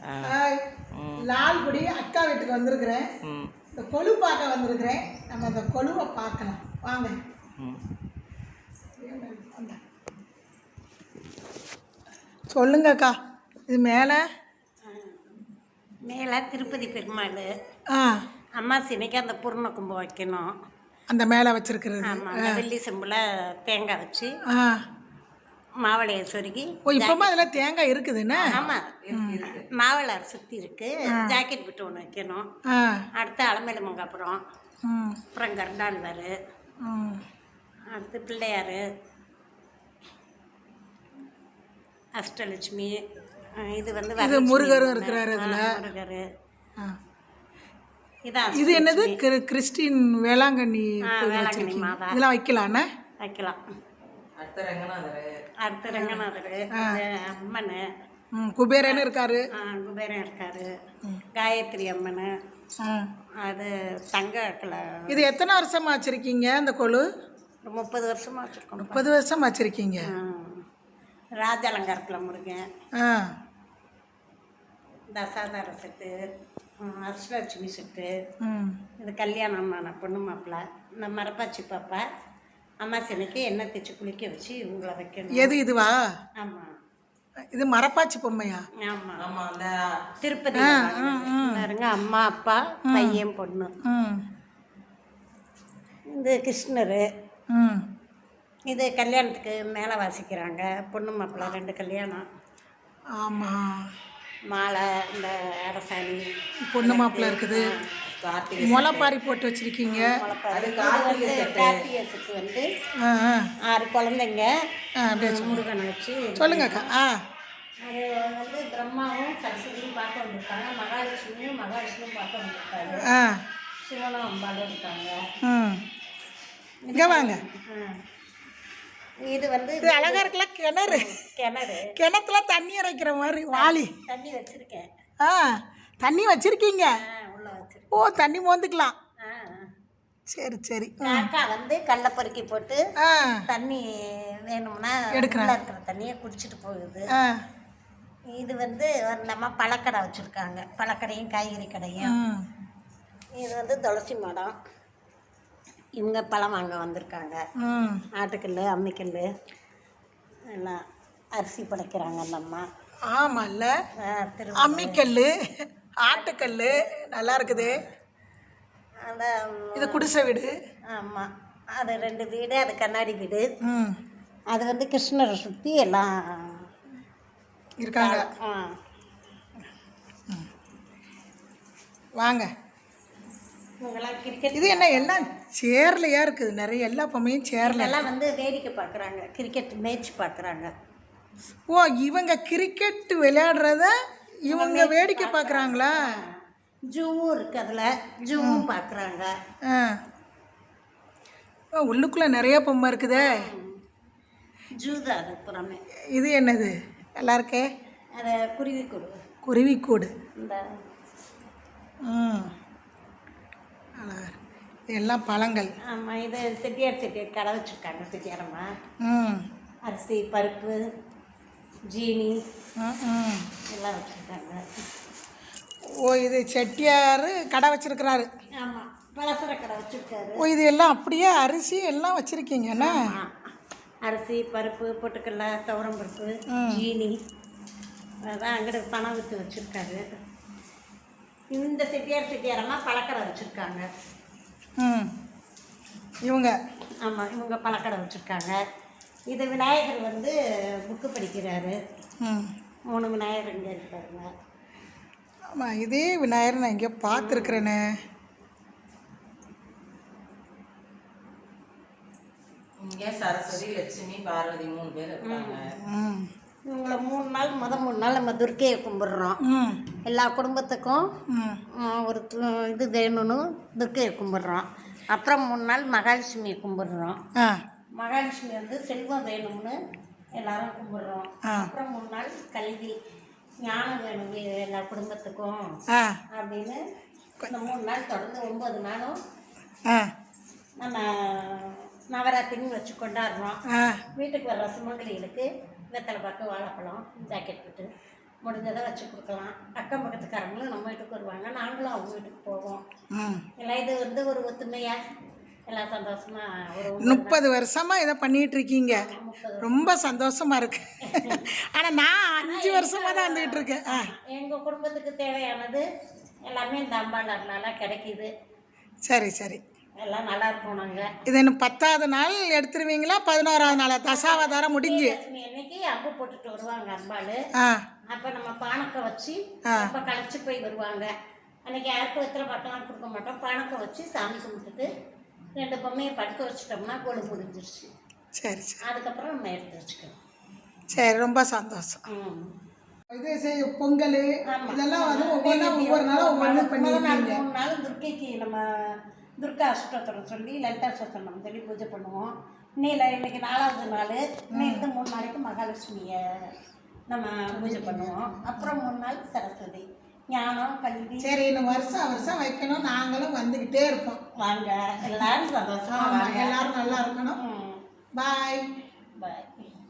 Hi, Lalgudi அக்கா வீட்டுக்கு வந்திருக்கிறேன். இந்த கொலு பார்க்க வந்திருக்கிறேன். நம்ம அந்த கொலுவை பார்க்கலாம் வாங்க. சொல்லுங்க அக்கா. இது மேலே மேலே திருப்பதி பெருமாள் அம்மா சினைக்கு அந்த பூர்ண கும்பம் வைக்கணும். அந்த மேலே வச்சிருக்கிறது. ஆமாம், வெள்ளி செம்பில் தேங்காய் வச்சு மாவளையை சொருகி. இப்போமா அதில் தேங்காய் இருக்குதுன்னு? ஆமாம், மாவளை சுற்றி இருக்கு. ஜாக்கெட் விட்டு ஒன்று வைக்கணும். அடுத்து அலமேலு மங்காப்புறம், அப்புறம் கருடாழ்வார், அடுத்து பிள்ளையார், அஷ்டலட்சுமி. இது வந்து முருகரும் இருக்கிறாரு அதில். முருகர். இது என்னது? கிறிஸ்டின் வேளாங்கண்ணி மாதா. இதெல்லாம் வைக்கலாண்ணே? வைக்கலாம். அடுத்த ரங்கநாதர், அம்மன், குபேரன் இருக்காரு. குபேரன் இருக்காரு. காயத்ரி அம்மன், அது தங்க. இது எத்தனை வருஷமா வச்சிருக்கீங்க இந்த கொலு? 30 வருஷமா வச்சிருக்கோம். 30 வருஷமா வச்சிருக்கீங்க. ராஜ அலங்காரத்தில் முருகன், தசாதார செட்டு, அஷ்டலட்சுமி செட்டு. இது கல்யாணம் பொண்ணு மாப்பிள்ள. இந்த மரப்பாச்சி பாப்பா அம்மா சினைக்கு எண்ணெய் தேய்ச்சி குளிக்க வச்சு இவங்களை வைக்கணும். எது இதுவா? ஆமாம், இது மரப்பாச்சி பொம்மையா? ஆமாம் ஆமாம். அந்த திருப்பதி பாருங்க, அம்மா அப்பா பையன் பொண்ணு. இது கிருஷ்ணர். இது கல்யாணத்துக்கு மேலே வாசிக்கிறாங்க. பொண்ணு மாப்பிள்ளை 2 கல்யாணம். ஆமாம், மாலை, இந்த அரசாணி. பொண்ணு மாப்பிள்ளை இருக்குது. முளைப்பாரி போட்டு வச்சிருக்கீங்க. கார்த்திகேயத்துக்கு வந்து 6 குழந்தைங்க. முருகனை வச்சு சொல்லுங்க அக்கா. அது வந்து பிரம்மாவும் சரஸ்வதியும் பார்க்க வந்திருக்காங்க. மகாலட்சுமியும் பார்க்க வந்திருக்காங்க. சிவனும் அம்பாலும் இருக்காங்க. இங்கே வாங்க. இது வந்து அழகா இருக்குல்ல. கிணத்துல தண்ணி இறைக்கிற மாதிரி வாளி தண்ணி வச்சிருக்கேன். தண்ணி வச்சிருக்கீங்க. உள்ள வச்சிருக்கேன். ஓ, தண்ணி மோந்துக்கலாம். சரி சரி. காக்கா வந்து கல்லை பருக்கி போட்டு தண்ணி வேணும்னா இருக்கிற தண்ணியை குடிச்சிட்டு போகுது. இது வந்து நம்ம பழக்கடை வச்சுருக்காங்க. பழக்கடையும் காய்கறி கடையும். இது வந்து துளசி மடம். இவங்க பழம் வாங்க வந்திருக்காங்க. ஆட்டுக்கல், அம்மிக்கல் எல்லாம் அரிசி படைக்கிறாங்க அந்த அம்மா. ஆமாம்ல, அம்மிக்கல், ஆட்டுக்கல் நல்லா இருக்குது. அந்த இது குடிசை வீடு. ஆமாம், அது 2 வீடு. அது கண்ணாடி வீடு. அது வந்து கிருஷ்ணரை சுற்றி எல்லாம் இருக்காங்க. வாங்க. கிரிக்கெட். இது என்ன எல்லாம் சேர்லையா இருக்குது? நிறைய எல்லா பொம்மையும் சேர்ல. எல்லாம் வந்து வேடிக்கை பார்க்குறாங்க. கிரிக்கெட் மேட்ச் பார்க்குறாங்க. ஓ, இவங்க கிரிக்கெட் விளையாடுறத இவங்க வேடிக்கை பார்க்குறாங்களா? ஜூவும் இருக்குது, அதில் ஜூவும் பார்க்குறாங்க. உள்ளுக்குள்ளே நிறைய பொம்மை இருக்குதே. ஜூ தான் அது புறமே. இது என்னது? நல்லா இருக்கே. அது குருவிக்கூடு. குருவிக்கூடு. இந்த எல்லாம் பழங்கள். ஆமாம், இது செட்டியார் கடை வச்சுருக்காங்க. செட்டியாரம்மா அரிசி, பருப்பு, ஜீனி எல்லாம் வச்சுருக்காங்க. ஓ, இது செட்டியார் கடை வச்சுருக்கிறாரு. ஆமாம், பலசர கடை வச்சுருக்காரு. ஓ, இது எல்லாம் அப்படியே அரிசி எல்லாம் வச்சுருக்கீங்கண்ணா? அரிசி, பருப்பு, பொட்டுக்கடலை, துவரம் பருப்பு, ஜீனி. அதான் அங்கிட்ட பணம் விற்று வச்சுருக்காரு. இந்த செட்டியாரம்மா பழக்கடை வச்சுருக்காங்க. இவங்க ஆமாம், இவங்க பழக்கடை வச்சுருக்காங்க. இது விநாயகர் வந்து புக்கு படிக்கிறாரு. 3 விநாயகர் இங்கே இருக்காருங்க. ஆமாம், இதே விநாயகர் நான் இங்கே பார்த்துருக்குறேனே. இங்கே சரஸ்வதி, லட்சுமி, பார்வதி 3 பேர் இருக்காங்க. இவங்களை 3 நாள் 3 நாள் நம்ம துர்க்கையை கும்பிட்றோம். எல்லா குடும்பத்துக்கும் ஒரு இது வேணும்னு துர்க்கையை கும்பிட்றோம். அப்புறம் 3 நாள் மகாலட்சுமியை கும்பிட்றோம். மகாலட்சுமி வந்து செல்வம் வேணும்னு எல்லாரும் கும்பிட்றோம். அப்புறம் 3 நாள் கல்வி ஞானம் வேணும் எல்லா குடும்பத்துக்கும் அப்படின்னு இந்த 3 நாள் தொடர்ந்து 9 நாளும் நம்ம நவராத்திரின்னு வச்சு கொண்டாடுறோம். வீட்டுக்கு வர்ற சுமங்கலிகளுக்கு வெத்தலை பாக்கு, வாழைப்பழம், ஜாக்கெட் போட்டு முடிஞ்சதை வச்சு கொடுக்கலாம். அக்கம் பக்கத்துக்காரங்களும் நம்ம வீட்டுக்கு வருவாங்க, நாங்களும் அவங்க வீட்டுக்கு போவோம். ம். எல்லாம் இது வந்து ஒரு ஒத்துமையாக எல்லாம் சந்தோஷமாக ஒரு 30 வருஷமா இதை பண்ணிட்டு இருக்கீங்க, ரொம்ப சந்தோஷமா இருக்கு. ஆனா நான் 5 வருஷமா தான் வந்துகிட்டு இருக்கேன். எங்கள் குடும்பத்துக்கு தேவையானது எல்லாமே இந்த அம்பாளர்னால கிடைக்கிது. சரி சரி. எல்லாம் நல்லா இருப்போம் நாங்கள். இது இன்னும் 10வது நாள் எடுத்துருவீங்களா? 11வது நாளா? தசாவதாரம் முடிஞ்சு லட்சுமி அன்னைக்கு அம்பு போட்டுட்டு வருவாங்க அம்பாள். ஆ அப்போ நம்ம பானக்கை வச்சு அப்போ களைச்சி போய் வருவாங்க. அன்னைக்கு யாருக்கும் வெத்தலை பாட்டெல்லாம் கொடுக்க மாட்டோம். பானக்கை வச்சு சாமி கும்பிட்டுட்டு 2 பொம்மையை படுக்க வச்சுட்டோம்னா கொழு முடிஞ்சிருச்சு. சரி சரி. அதுக்கப்புறம் நம்ம எடுத்து வச்சுக்கணும். சரி, ரொம்ப சந்தோஷம். இது பொங்கல் இதெல்லாம் வந்து ஒவ்வொரு நாளும் ஒவ்வொன்று பண்ணிருக்கீங்க. 3 நாள் துர்க்கைக்கு நம்ம துர்கா அஷ்டோத்திரம் சொல்லி லலிதா அஷ்டோத்திரம் சொல்லி பூஜை பண்ணுவோம். இன்னைக்கு 4வது நாள். இன்னைக்கு 3 நாளைக்கு மகாலட்சுமியை நம்ம பூஜை பண்ணுவோம். அப்புறம் 3 நாள் சரஸ்வதி, ஞானம், கல்வி. சரி, இன்னும் வருஷம் வைக்கணும். நாங்களும் வந்துக்கிட்டே இருப்போம். வாங்க, எல்லாரும் சந்தோஷமா வாங்க. எல்லாரும் நல்லா இருக்கணும். பாய் பாய்.